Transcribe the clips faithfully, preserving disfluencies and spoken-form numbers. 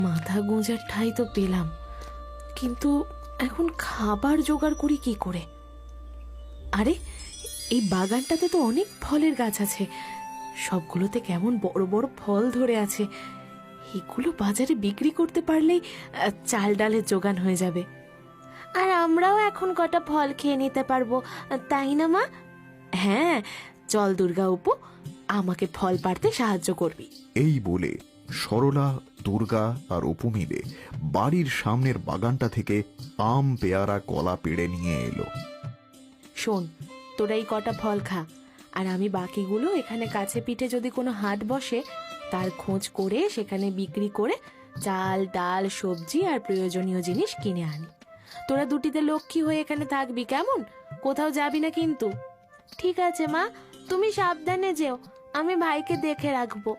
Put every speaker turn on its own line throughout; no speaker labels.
মাথা গোঁজার ঠাঁই তো পেলাম, কিন্তু এখন খাবার জোগাড় করি কি করে? আরে এই বাগানটাতে তো অনেক ফলের গাছ আছে, সবগুলোতে কেমন বড় বড় ফল ধরে আছে। এগুলো বাজারে বিক্রি করতে পারলেই চাল ডালের জোগান হয়ে যাবে, আর আমরাও এখন কটা ফল খেয়ে নিতে পারবো, তাই না মা? হ্যাঁ, চল দুর্গা অপু, আমাকে ফল পাড়তে সাহায্য করবি।
এই বলে সরলা, দুর্গা আর অপু মিলে বাড়ির সামনের বাগানটা থেকে আম, পেয়ারা, কলা পেড়ে নিয়ে এলো।
শোন, তোরা এই কটা ফল খা, আর আমি বাকিগুলো এখানে কাছে পিঠে যদি কোনো হাট বসে তার খোঁজ করে সেখানে বিক্রি করে চাল ডাল সবজি আর প্রয়োজনীয় জিনিস কিনে আনি। তোরা দুটিতে লক্ষ্মী হয়ে এখানে থাকবি, কেমন? কোথাও যাবি না কিন্তু। ঠিক আছে মা, তুমি সাবধানে যেও, আমি ভাইকে দেখে রাখবো।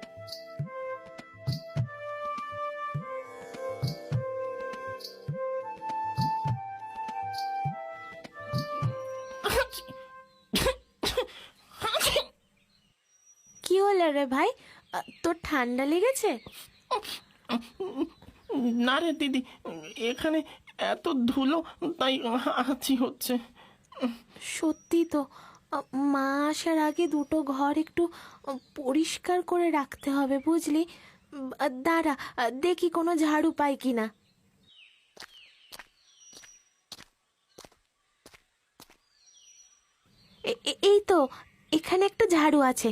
কি হলো রে ভাই, তোর ঠান্ডা লেগেছে?
না রে দিদি, এখানে এত ধুলো তাই হাঁচি হচ্ছে।
সত্যি তো, মা আসার আগে দুটো ঘর একটু পরিষ্কার করে রাখতে হবে, বুঝলি? দাঁড়া, দেখি কোনো ঝাড়ু পাই কিনা। এই তো, এখানে একটা ঝাড়ু আছে।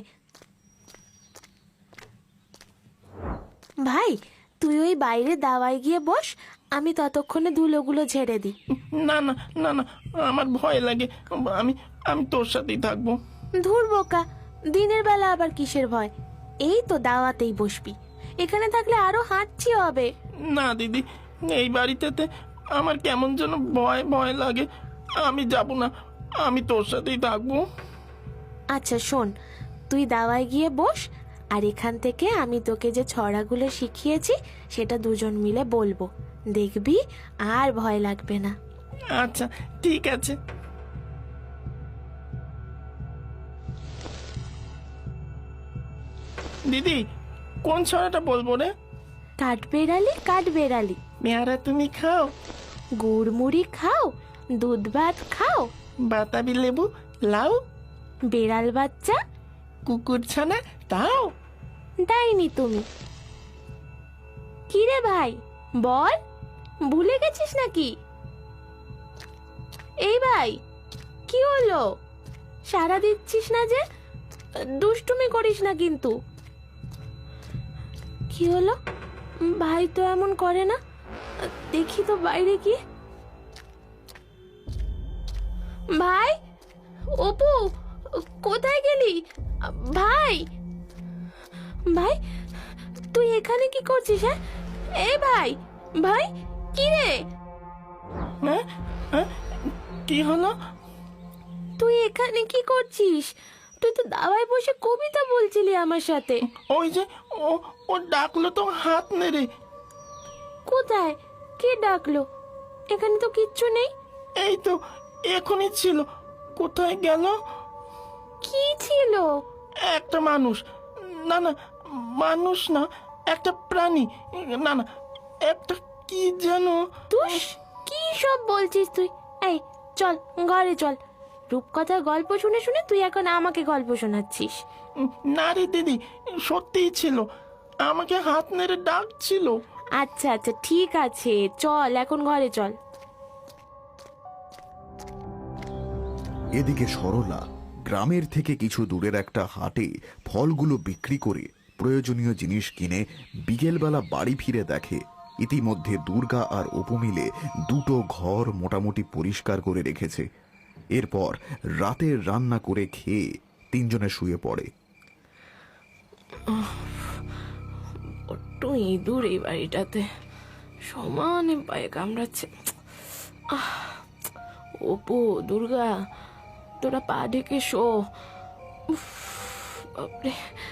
ভাই, তুই ওই বাইরে দাওয়ায় গিয়ে বস, আমি ততক্ষণে ধুলোগুলো ঝেড়ে দিই।
না না না না, আমার ভয় লাগে, আমি আমি তোর সাথেই থাকবো।
ধুর বোকা, দিনের বেলা আবার কিসের ভয়? এই তো দাওয়াতেই বসবি, এখানে থাকলে আরো হাঁচি হবে।
না দিদি, এই বাড়িতে আমার কেমন যেন ভয় ভয় লাগে, আমি যাব না, আমি তোর সাথেই থাকবো।
আচ্ছা শোন, তুই দাওয়ায় গিয়ে বস, আর এখান থেকে আমি তোকে যে ছড়াগুলো শিখিয়েছি সেটা দুজন মিলে বলবো, দেখবি আর ভয় লাগবে না।
আচ্ছা ঠিক আছে। দিদি, কোন ছড়াটা বলবো রে?
কাঠ বেড়ালি কাঠ বেড়ালি,
পেয়ারা তুমি খাও,
গুড় মুড়ি খাও, দুধ ভাত খাও,
বাতাবি লেবু লাও,
বেড়াল বাচ্চা
কুকুর ছানা তাও।
দেয়নি তুমি। কি রে ভাই, বল, ভুলে গেছিস নাকি? এই ভাই, কি হলো? সারা দিচ্ছিস না যে? দুষ্টুমি করিস না কিন্তু। কি হলো? ভাই তো এমন করে না, দেখি তো বাইরে কি। ভাই, অপু, কোথায় গেলি? ভাই, ভাই তুই এখানে কি করছিস? হ্যাঁ, এই ভাই, ভাই কি রে?
হ্যাঁ হ্যাঁ, কি হলো?
তুই এখানে কি করছিস? তুই তো দাওয়ায় বসে কবিতা বলছিলি আমার সাথে।
ওই যে ও ও ডাকলো তো হাত নেড়ে।
কোথায়? কে ডাকলো? এখানে তো কিচ্ছু নেই।
এই তো এখনই ছিল, কোথায় গেল?
কি ছিল?
একটা মানুষ, না না মানুষ না, একটা প্রাণী, না না একটা কি যেন।
তুই কি সব বলছিস তুই? এই চল ঘরে চল, রূপকথার গল্প শুনে শুনে তুই এখন আমাকে গল্প শোনাচ্ছিস।
না রে দিদি, সত্যিই ছিল, আমাকে হাত নেড়ে ডাকছিল।
আচ্ছা আচ্ছা ঠিক আছে, চল এখন ঘরে চল।
এদিকে সরলা গ্রামের থেকে কিছু দূরের একটা হাটে ফলগুলো বিক্রি করে প্রয়োজনীয় জিনিস কিনে বিকেলবেলা বাড়ি ফিরে দেখে ইতিমধ্যে দুর্গা আর অপু মিলে দুটো ঘর মোটামুটি পরিষ্কার করে রেখেছে। এরপর রাতের রান্না করে খেয়ে তিনজনে শুয়ে পড়ে।
একটু ইঁদুর এই বাড়িটাতে সমানে পায়ে কামড়াচ্ছে। অপু, দুর্গা, তোরা পা ঢেকে শো। বাপরে,